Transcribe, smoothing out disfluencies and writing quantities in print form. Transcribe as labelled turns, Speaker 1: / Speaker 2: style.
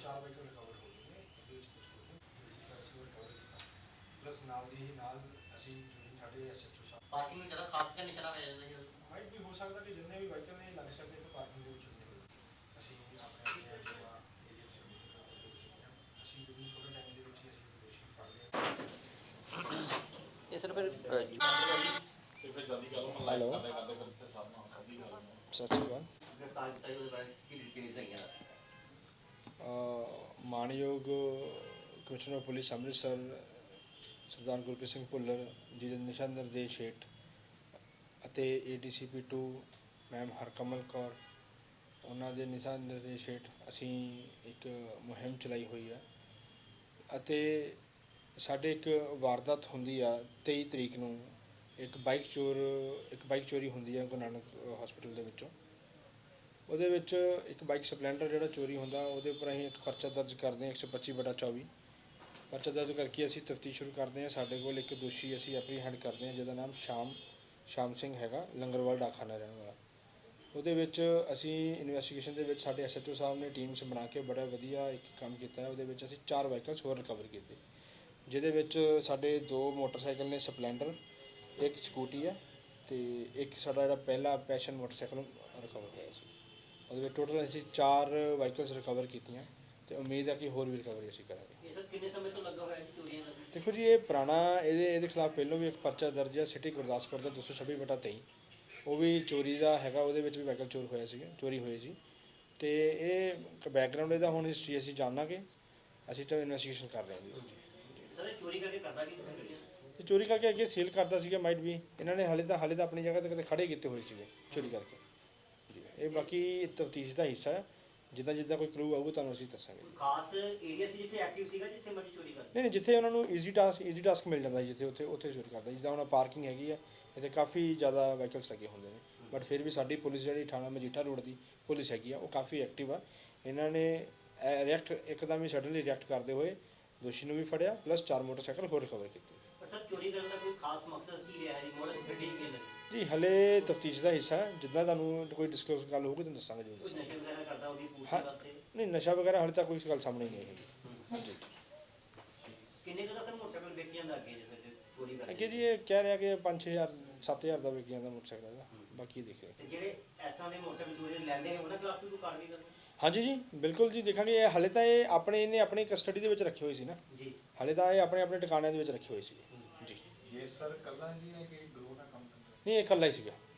Speaker 1: 4 vehicle recover ਹੋ ਗਏ ਨੇ, ਉਹਦੇ ਵਿੱਚ ਕੁਝ ਅਸੀਂ ਰਿਕਵਰ ਕੀਤਾ। ਪਲੱਸ ਨਾਲ ਦੀ ਨਾਲ ਅਸੀਂ ਸਾਡੇ ਐਸਐਚਓ ਸਾਹਿਬ
Speaker 2: ਪਾਰਕਿੰਗ ਨੂੰ ਜ਼ਿਆਦਾ ਖਾਸ ਕਰ ਨਿਸ਼ਾਨਾ ਪੈ ਜਾਂਦਾ ਜੀ।
Speaker 1: ਮਾਈਟ ਵੀ ਹੋ ਸਕਦਾ ਕਿ ਜਿੰਨੇ ਵੀ ਵਾਹੀਕਲ ਨੇ ਲੱਗ ਸਕਦੇ ਇੱਥੇ ਪਾਰਕਿੰਗ ਦੇ ਵਿੱਚ ਹੁੰਦੇ ਹੋਏ ਅਸੀਂ ਆਪਣੇ ਏਰੀਆ 'ਚ ਅਸੀਂ ਥੋੜ੍ਹੇ ਟਾਈਮ ਦੇ ਵਿੱਚ ਅਸੀਂ ਦੋਸ਼ੀ ਫੜ ਲਿਆ।
Speaker 2: ਇਹ ਸਰ ਫਿਰ
Speaker 3: ਹੈਲੋ ਸਤਿ ਸ਼੍ਰੀ ਅਕਾਲ। ਮਾਣਯੋਗ ਕਮਿਸ਼ਨਰ ਪੁਲਿਸ ਅੰਮ੍ਰਿਤਸਰ ਸਰਦਾਰ ਗੁਰਪ੍ਰੀਤ ਸਿੰਘ ਭੁੱਲਰ ਜੀ ਦੇ ਦਿਸ਼ਾ ਨਿਰਦੇਸ਼ ਹੇਠ ਅਤੇ ADCP 2 ਮੈਮ ਹਰਕਮਲ ਕੌਰ ਉਹਨਾਂ ਦੇ ਦਿਸ਼ਾ ਨਿਰਦੇਸ਼ ਹੇਠ ਅਸੀਂ ਇੱਕ ਮੁਹਿੰਮ ਚਲਾਈ ਹੋਈ ਹੈ ਅਤੇ ਸਾਡੇ ਇੱਕ ਵਾਰਦਾਤ ਹੁੰਦੀ ਆ 23 ਤਰੀਕ ਨੂੰ ਇੱਕ ਬਾਈਕ ਚੋਰੀ ਹੁੰਦੀ ਹੈ ਗੁਰੂ ਨਾਨਕ ਹਸਪੀਟਲ ਦੇ ਵਿੱਚੋਂ। ਉਹਦੇ ਵਿੱਚ ਇੱਕ ਬਾਈਕ ਸਪਲੈਂਡਰ ਜਿਹੜਾ ਚੋਰੀ ਹੁੰਦਾ ਉਹਦੇ ਉੱਪਰ ਅਸੀਂ ਇੱਕ ਪਰਚਾ ਦਰਜ ਕਰਦੇ ਹਾਂ 125/24 ਪਰਚਾ ਦਰਜ ਕਰਕੇ ਅਸੀਂ ਤਫਤੀਸ਼ ਸ਼ੁਰੂ ਕਰਦੇ ਹਾਂ। ਸਾਡੇ ਕੋਲ ਇੱਕ ਦੋਸ਼ੀ ਅਸੀਂ ਐਪਰੀਹੈਂਡ ਕਰਦੇ ਹਾਂ ਜਿਹਦਾ ਨਾਮ ਸ਼ਾਮ ਸਿੰਘ ਹੈਗਾ, ਲੰਗਰਵਾਲ ਡਾਕਖਾਨਾ ਰਹਿਣ ਵਾਲਾ। ਉਹਦੇ ਵਿੱਚ ਅਸੀਂ ਇਨਵੈਸਟੀਗੇਸ਼ਨ ਦੇ ਵਿੱਚ ਸਾਡੇ SHO ਸਾਹਿਬ ਨੇ ਟੀਮਸ ਬਣਾ ਕੇ ਬੜਾ ਵਧੀਆ ਇੱਕ ਕੰਮ ਕੀਤਾ ਹੈ। ਉਹਦੇ ਵਿੱਚ ਅਸੀਂ 4 ਵਾਹੀਕਲਸ ਹੋਰ ਰਿਕਵਰ ਕੀਤੇ ਜਿਹਦੇ ਵਿੱਚ ਸਾਡੇ 2 ਮੋਟਰਸਾਈਕਲ ਨੇ ਸਪਲੈਂਡਰ, ਇੱਕ ਸਕੂਟੀ ਹੈ ਅਤੇ ਇੱਕ ਸਾਡਾ ਜਿਹੜਾ ਪਹਿਲਾ ਪੈਸ਼ਨ ਮੋਟਰਸਾਈਕਲ ਰਿਕਵਰ ਹੋਇਆ ਸੀ। ਉਹਦੇ ਵਿੱਚ ਟੋਟਲ ਅਸੀਂ 4 ਵਾਹੀਕਲਸ ਰਿਕਵਰ ਕੀਤੀਆਂ ਅਤੇ ਉਮੀਦ ਹੈ ਕਿ ਹੋਰ ਵੀ ਰਿਕਵਰੀ ਅਸੀਂ ਕਰਾਂਗੇ।
Speaker 2: ਇਹ ਸਰ ਕਿੰਨੇ ਸਮੇਂ ਤੋਂ ਲੱਗਾ ਹੋਇਆ ਜੀ ਚੋਰੀਆਂ ਦਾ?
Speaker 3: ਦੇਖੋ ਜੀ, ਇਹ ਪੁਰਾਣਾ ਇਹਦੇ ਖਿਲਾਫ ਪਹਿਲਾਂ ਵੀ ਇੱਕ ਪਰਚਾ ਦਰਜ ਹੈ ਸਿਟੀ ਗੁਰਦਾਸਪੁਰ ਦਾ 226/23 ਉਹ ਵੀ ਚੋਰੀ ਦਾ ਹੈਗਾ। ਉਹਦੇ ਵਿੱਚ ਵੀ ਵਾਹੀਕਲ ਚੋਰੀ ਹੋਏ ਸੀ ਅਤੇ ਇਹ ਬੈਕਗਰਾਊਂਡ ਇਹਦਾ ਹੁਣ ਹਿਸਟਰੀ ਅਸੀਂ ਜਾਣਾਂਗੇ। ਅਸੀਂ ਤਾਂ ਇਨਵੈਸਟੀਗੇਸ਼ਨ ਕਰ ਰਹੇ ਹਾਂ ਜੀ।
Speaker 2: ਸਰ ਇਹ ਚੋਰੀ ਕਰਕੇ ਕਰਦਾ ਕੀ ਸੀ?
Speaker 3: ਇਹ ਚੋਰੀ ਕਰਕੇ ਅੱਗੇ ਸੇਲ ਕਰਦਾ ਸੀਗਾ ਮਾਈਟ ਵੀ। ਇਹਨਾਂ ਨੇ ਹਾਲੇ ਤਾਂ ਆਪਣੀ ਜਗ੍ਹਾ 'ਤੇ ਕਦੇ ਖੜੇ ਕੀਤੇ ਹੋਏ ਸੀਗੇ ਚੋਰੀ ਕਰਕੇ ਜੀ। ਇਹ ਬਾਕੀ ਤਫਤੀਸ਼ ਦਾ ਹਿੱਸਾ ਹੈ। ਜਿੱਦਾਂ ਕੋਈ ਕਲੂ ਆਊਗਾ ਤੁਹਾਨੂੰ ਅਸੀਂ ਦੱਸਾਂਗੇ।
Speaker 2: ਖਾਸ ਏਰੀਆ ਸੀ ਜਿੱਥੇ ਐਕਟਿਵ ਸੀਗਾ ਜਿੱਥੇ ਮਰਜ਼ੀ ਚੋਰੀ ਕਰਦਾ?
Speaker 3: ਨਹੀਂ, ਜਿੱਥੇ ਉਹਨਾਂ ਨੂੰ ਈਜ਼ੀ ਟਾਸਕ ਮਿਲ ਜਾਂਦਾ ਜਿੱਥੇ ਉੱਥੇ ਚੋਰੀ ਕਰਦਾ। ਜਿੱਦਾਂ ਹੁਣ ਪਾਰਕਿੰਗ ਹੈਗੀ ਹੈ, ਇੱਥੇ ਕਾਫੀ ਜ਼ਿਆਦਾ ਵਾਹੀਕਲਸ ਲੱਗੇ ਹੁੰਦੇ ਨੇ ਬਟ ਫਿਰ ਵੀ ਸਾਡੀ ਪੁਲਿਸ ਜਿਹੜੀ ਥਾਣਾ ਮਜੀਠਾ ਰੋਡ ਦੀ ਪੁਲਿਸ ਹੈਗੀ ਆ ਉਹ ਕਾਫੀ ਐਕਟਿਵ ਆ। ਇਹਨਾਂ ਨੇ ਇੱਕਦਮ ਹੀ ਸਡਨਲੀ ਰਿਐਕਟ ਕਰਦੇ ਹੋਏ ਦੋਸ਼ੀ ਨੂੰ ਵੀ ਫੜਿਆ ਪਲੱਸ 4 ਮੋਟਰਸਾਈਕਲ ਹੋਰ ਰਿਕਵਰ ਕੀਤੇ।
Speaker 2: ਸਰ ਚੋਰੀ ਕਰਨ ਦਾ ਕੋਈ ਖਾਸ ਮਕਸਦ ਕੀ ਰਿਹਾ ਜੀ? ਮੋਟਰ ਗੱਡੀ ਕਿਵੇਂ
Speaker 3: ਜੀ ਹਲੇ ਤਫਤੀਸ਼ ਦਾ ਹਿੱਸਾ ਹੈ। ਜਿੱਦਾਂ ਤੁਹਾਨੂੰ ਕੋਈ ਡਿਸਕਲੋਜ਼ ਗੱਲ ਹੋਊਗੀ ਤੁਹਾਨੂੰ ਦੱਸਾਂਗੇ ਜੀ।
Speaker 2: ਕੋਈ ਨਸ਼ੇ ਵਗੈਰਾ ਕਰਦਾ ਉਹਦੀ ਪੂਛ ਵਾਸਤੇ?
Speaker 3: ਨਹੀਂ, ਨਸ਼ਾ ਵਗੈਰਾ ਹਾਲੇ ਤੱਕ ਕੋਈ ਗੱਲ ਸਾਹਮਣੇ ਨਹੀਂ ਆਈ ਜੀ।
Speaker 2: ਕਿੰਨੇ ਕੁ ਦਾ ਸਰ ਮੋਟਰਸਾਈਕਲ ਵੇਚ ਜਾਂਦਾ ਅੱਗੇ ਜੇ ਚੋਰੀ ਕਰਦੇ?
Speaker 3: ਅੱਗੇ ਜੀ ਇਹ ਕਹਿ ਰਿਹਾ ਕਿ 5-6 ਹਜ਼ਾਰ 7 ਹਜ਼ਾਰ ਦਾ ਵਿਕ ਜਾਂਦਾ ਮੋਟਰਸਾਈਕਲ ਦਾ, ਬਾਕੀ ਦੇਖ ਰਹੇ।
Speaker 2: ਤੇ ਜਿਹੜੇ ਇਸ ਤਰ੍ਹਾਂ ਦੇ ਮੋਟਰਸਾਈਕਲ ਚੋਰੀ ਲੈਂਦੇ ਨੇ ਉਹਨਾਂ ਖਿਲਾਫ ਵੀ ਕੋਈ ਕਾਰਵਾਈ ਕਰਦੇ?
Speaker 3: ਹਾਂਜੀ ਜੀ ਬਿਲਕੁਲ ਜੀ, ਦੇਖਾਂਗੇ। ਇਹ ਹਾਲੇ ਤਾਂ ਇਹ ਆਪਣੀ ਕਸਟਡੀ ਦੇ ਵਿੱਚ ਰੱਖੇ ਹੋਏ ਸੀ ਨਾ
Speaker 2: ਜੀ।
Speaker 3: ਹਾਲੇ ਤਾਂ ਇਹ ਆਪਣੇ ਟਿਕਾਣਿਆਂ ਦੇ ਵਿੱਚ ਰੱਖੇ ਹੋਏ ਸੀ ਜੀ।
Speaker 1: ਜੇ ਸਰ ਕੱਲਾ ਜੀ ਹੈ ਕਿ ਗਰੋਹ ਨਾਲ ਕੰਮ ਕਰਦਾ?
Speaker 3: ਨਹੀਂ, ਇਹ ਇਕੱਲਾ ਹੀ ਸੀਗਾ।